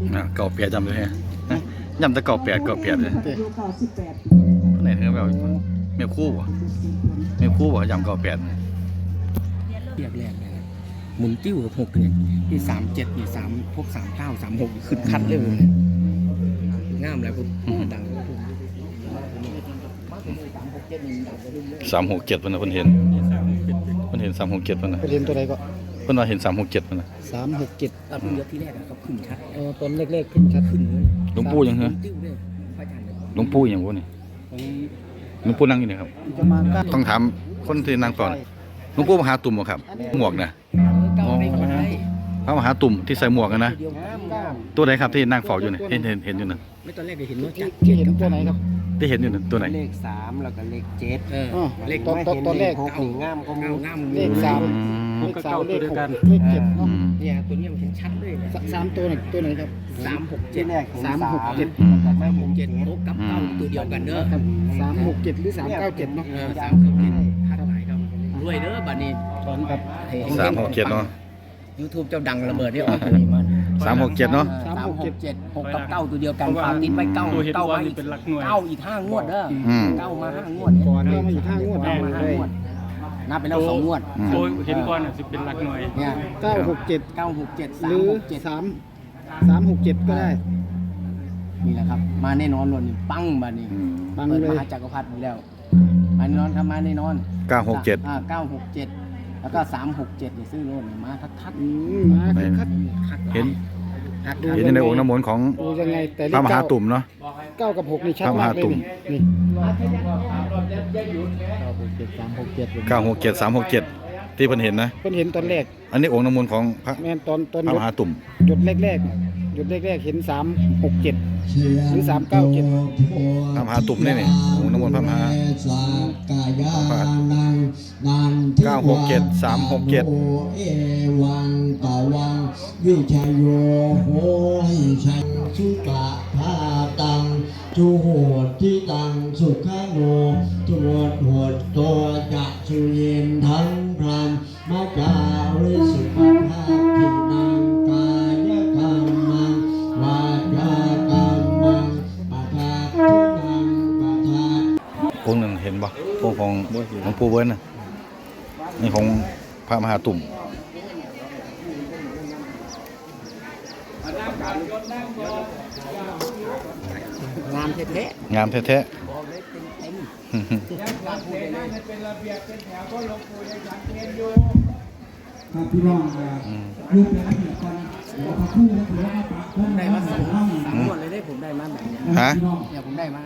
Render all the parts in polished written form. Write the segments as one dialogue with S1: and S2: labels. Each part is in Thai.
S1: เก่าเปียจำด้วยฮะยำแต่เก่าเปียเลยไหนเธอแบบเมียคู่ยำเก่าเปีย
S2: เรียกแรกเลยหมุนติ้วกับ6เนี่ยที่37นี่3พวก39 36ขึ้นคัดเลยงามแล้วคุณดัง
S1: 367มันนะเพิ่นเห็น367มันนะ
S3: ไปเรียนตัวไหนก็
S1: เพิ่นว่าเห็น367มันนะ
S3: 367
S2: เพิ่งยกที่แรกครับขึ้นชัด
S3: ตอนแรกๆขึ้นชัดขึ้นเลย
S1: หลวงปู่ยังเหรอหลวงปู่ยังบ่นี่หลวงปู่นั่งอยู่นี่ครับต้องถามคนที่นั่งก่อนหลวงปู่มหาตุ่มบ่ครับหมวกนะพระมหาตุ่มที่ใส่หมวกกันนะตัวไหนครับที่นั่งเฝ้าอยู่นี่เห็นอยู่นั่น
S2: ไม่ตอนแรกเห็นว่าจัด
S3: เห็นตัวไหนครับ
S1: ที่เห็นอยู่นั่นตัวไหน
S4: เลข3แล้วก็เลข7
S2: เลข
S3: ตอนแรก
S4: 6นี่งามก็งาม
S3: เลข3เลข3เลข6เลข7เนาะ
S2: เนี่ยตัวนี้มันเห็นชัดเลย
S3: 3ตัวไหนครับ
S4: ที่แรก
S3: 367
S4: ไม่ผม7
S2: โอ้กับเก้าตัวเดียวกันเด้อ
S3: 367หรือ397เนาะ
S2: 397คัดหลายครับรวยเด้อบัดนี้ตอนกับ
S1: 367เนาะ
S2: YouTube เจ้าดังระเบิดได้ออกเลยมัน
S1: 367เนาะ
S2: 367 6กับ9ตัวเดียวกันฝากติดไว้9ไว้9อีก5งวดเด้อ9มา5งวด
S3: ก่อนมาอีก5งวด
S2: นับไปแล้ว2งวด
S5: โดยเห็นก่อนสิเป็นหลักหน่วย
S2: เนี่ย
S3: 967หรือ367ก็ได้
S2: นี่แหละครับมาแน่นอนเลยปังบัดนี้เปิดมหาจักรพรรดิแล้วมาแน่นอนครับมาแน่นอน967แล้วก็367นี่ซื้อโลดมาทัด
S3: มาคัด
S1: เห็นในองค์น้ำมนต์ของพระมหาตุ่มเนาะ
S3: 9กับ6นี่ชัดมากเลยนี่
S1: 967 367ที่เพิ่นเห็นนะ
S3: เพิ่นเห็นตอนแรก
S1: อันนี้องค์น้ำมนต์ของพระ
S3: แม่นตอน
S1: มหาตุ่ม
S3: จุดแรกเห็น367หรือ397
S1: พระมหาตุ่มนี่องค์น้ำมนต์พระมหา967 367
S4: เอวังตะวังวิชโยโหหิชังสุกะภาตังจุโหติตังสุขโนจุโหดตัวจะสุเย็นทั้งพรามมาจาริสุภาพทินังกายกรรมังวาจากรรมังปะทาทินังปะทา
S1: องค์หนึ่งเห็นบ่องค์ของหลวงปู่เบิ้ลน่ะนี่ของพระมหาตุ่ม
S2: งามแท้
S1: งามแท้
S4: ครับพี่น้องรูปแบบนี้ก่อนพระคู่และพระปะผม
S2: ได้มา3งวดเลยได้ผมได้มาแบบนี้เนี่ยผมได้มา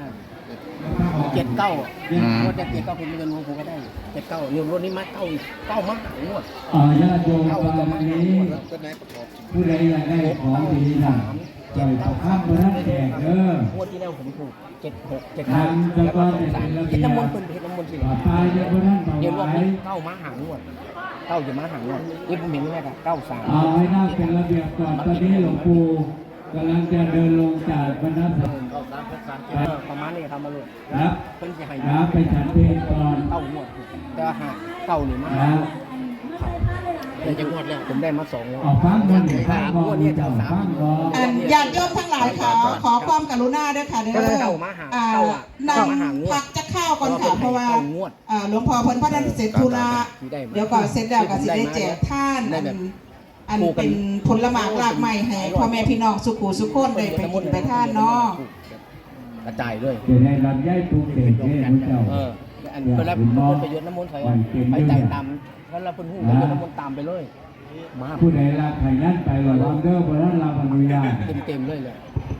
S2: 79งวด79ผมเงินผมก็ได้79รวมนี้มา9มางวด
S4: ญาติโยมตอนนี้ผู้ใดอยากได้ของดีนะเจ็ดข้ามเบอร์แจกเด้อง
S2: วดที่แล้วผมถูก76 75แล้วก็23เห็นน้ำมนต์เป็นเห็นน้ำมนต์สิเดี๋ยวรวมนี้9มาหางวด9จะมาหางวดนี่ผมเห็นแม่กับ93
S4: เอาให้นั่งเป็นระเบียบก่อนตอนนี้หลวงปู่กำลังจะเดินลงจากบรรทัด
S2: ประมาณนี้ครับมาเลย
S4: ครับ
S2: เพิ่นสิให้
S4: ไปฉันเพลงก่อน
S2: 9งวดแต่หาก9นี่มาเดี๋ยวจะงวดแล้วผมได้มา2งวด
S4: ฟังก่อน
S2: งวดนี้จะเอา3
S6: ญาติโยมทั้งหลายขอความกรุณาด้วยค่ะเด้อนำพักจะเข้าก่อนค่ะเพราะว่าหลวงพ่อเพิ่นพระดันเสร็จธุระเดี๋ยวก่อนเสร็จแล้วก็สิได้แจกท่านอันเป็นผลหมากรากไม้ให้พ่อแม่พี่น้องสุขุสุขคนได้ไปกินไปท่านเนาะ
S2: กระจายด้วย
S4: จะได้รับย้ายปลูกเด็กเนี่ยพระเจ้า
S2: อันเวลาเพิ่นไปยศน้ำมนต์ใส่ไปใจตามแล้วเราเพิ่นฮู้ไปยศน้ำมนต์ตามไปเลยมา
S4: ผู้ใดรับไข่ยันไปว่าลำเด้อบ่นั้นรับอนุญาต
S2: เต็มเลย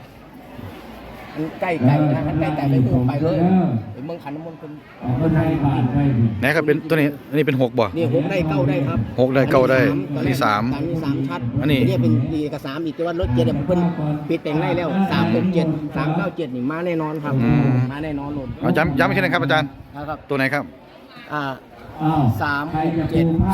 S2: ใกล้ๆนะใกล้ๆไปฮู้ไปเลยเมืองขันน้ำมนต์เพิ่น
S1: ไหนครับเป็นตัวนี้อันนี้เป็น6บ่
S2: นี่6ได้9ได้ครับ
S1: 6ได้9ได้อันนี้3
S2: ชัด
S1: อันนี้
S2: เป็นดีกับ3อีกแต่ว่ารถ7เนี่ยเพิ่นปิดแต่งได้แล้ว367 397นี่มาแน่นอนครับมาแน่นอนเลย
S1: เอาย้ำอีกทีนึงครับอาจารย์ตัวไหนครับ
S2: 367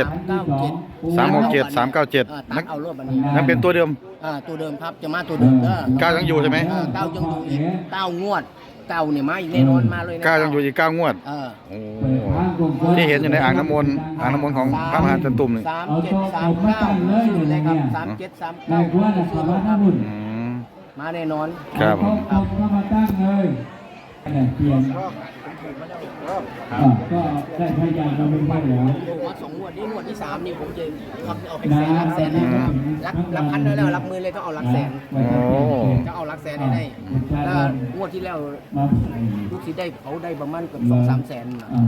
S1: 397นักเอารวบอันนี้นั่นเป็นตัวเดิม
S2: ตัวเดิมครับจะมาตัวเดิม
S1: 9ยังอยู่ใช่ไหม
S2: 9ยังอยู่อีก9งวด9เนี่ยมาแน่นอนมาเลยนะ
S1: 9ยังอยู่อีก9งวดที่เห็นอยู่ในอ่างน้ำมนต์ของพระมหาจันตุ่มนี่
S2: 3739เลยครับ3739ซื้อรถครับมาแน่นอน
S1: ครับผม
S4: เอาเข้ามาตั้งเลยเปลี่ยนก็ได้พยานเราเป็นไปแล้ว
S2: ผมว่า2 งวดนี้งวดที่ 3นี่ผมจะเอาให้แสนลักแสนเลยลักพันได้แล้วลักหมื่นเลยต้องเอาลักแสนจะเอาลักแสนได้แล้วงวดที่แล้วลูกศิษย์ได้เขาได้ประมาณเกือบ2-3 แสน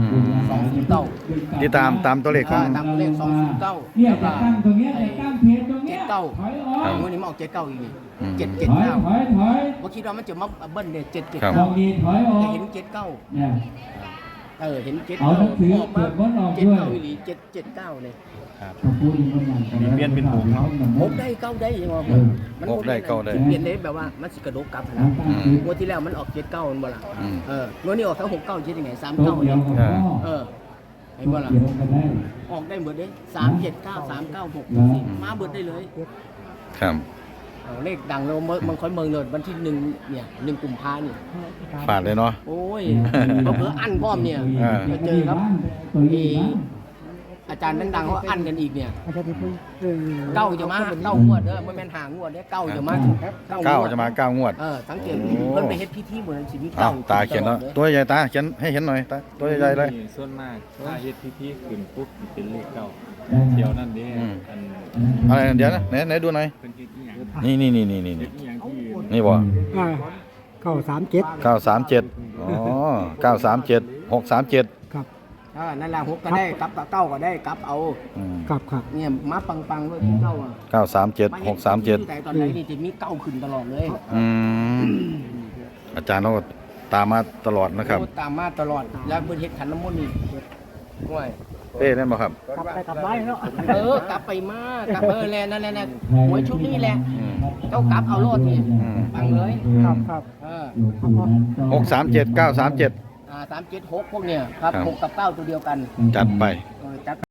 S2: 209
S1: ที่ตามตัวเลขของ
S2: ตามตัวเลข209
S4: เนี่ย
S2: แล้ว
S4: จะ
S2: ก็
S4: ตั้งตรงนี้จะตั้งเพจตรงนี้ถอยออก
S2: งวดนี้มาออก79อีกนี่
S4: ถอย
S2: 779
S4: ถอยถอย
S2: ว่าคิดว่ามันจะมาเบิ้ลเนี่ย
S1: ครับ
S4: ตรงนี้ถอยออก
S2: 779จะเห็น79
S4: เนี่ย
S2: เห็น79
S4: เอาหนังสือ
S2: ออกมา
S4: ตรวจวัดออกด้วย
S2: 79อีหลี779เลย
S4: เปลี่ยนเป็นหกเนาะ
S2: หกได้เก้าได้ยังไง
S1: หกได้เก้าได้
S2: เปลี่ยนได้แบบว่ามันสิกระโดดกลับนะงวดที่แล้วมันออก79มันบ่ล่ะ
S1: อืม
S2: งวดนี้ออกทั้ง69คิดยังไง
S4: โต๊ะ
S2: 39
S4: เดียว
S2: เนี่ย
S4: กับพ่อ
S2: เห็นบ่ล่ะ
S4: เดียวกันได้
S2: ออกได้หมดเลย379 396มาเบิดได้เลย
S1: ครับ
S2: เลขดังแล้วมันค่อยเมืองเลยวันที่1เนี่ย1 กุมภาเนี่ย
S1: ฝาดเลยเนาะ
S2: โอ้ยเพิ่อั้นพร้อมเนี่ย
S1: อ่า
S2: จะเจอครับ
S4: ตัวนี้บ้าน
S2: อาจารย์ดังๆเขาอั้นกันอีกเนี่ยเก้าจะมาเก้างวดไม่แม่นหางวดเนี่ยเก้าจะมาถึง
S1: เก้าจะมาเก้างวด
S2: สังเกตเพิ่นไปเฮ็ดพิธีเหมือนสิมี
S1: อ้า
S2: เก้าว
S1: ตาเขียนแล้วตัวใหญ่ตาเขียนให้เห็นหน่อยตาตัวใหญ่ๆเลย
S5: ส่วนมากถ้าเฮ็ดพิธีขึ้นปุ๊บสิเป็นเลขเก้า
S1: อื
S5: เดี๋ยว
S1: ม
S5: นั่นเด้
S1: อืม
S5: อัน
S1: อะไรเดี๋ยวนะไหนดูหน่อย
S5: เพิ่นเฮ็ดอีหยัง
S1: นี่
S5: เฮ็ดอีหยังที่
S1: นี่บ่
S3: 937
S1: 937อ๋อ937 637
S3: ครับ
S2: นั่นแหละ6ก็ได้กลับเก้าก็ได้กลับเอา
S1: อืม
S3: ครับครับ
S2: เนี่ยมาปังๆด้วยเก้าอ่ะ
S1: 937 637
S2: แต่ตอนไหนนี่จะมีเก้าขึ้นตลอดเลย
S1: อืมอาจารย์เราก็ตามมาตลอดนะครับ
S2: ตามมาตลอดแล้วเพิ่นเฮ็ดขันน้ำมนต์นี่ห่วย
S1: เป้นั่นบ่ครับ
S3: กลับไปกลับได้เนาะ
S2: กลับไปมากลับแลนั่นแหละหวยชุดนี้แหละ
S1: อืม
S2: เจ้ากลับเอาโลดนี่
S1: อืม
S2: ปังเลย
S3: ครับครับ
S1: 637 937
S2: 376พวกเนี่ยครับ
S1: ครับ
S2: 6กับ9ตัวเดียวกัน
S1: จัดไป
S2: จัด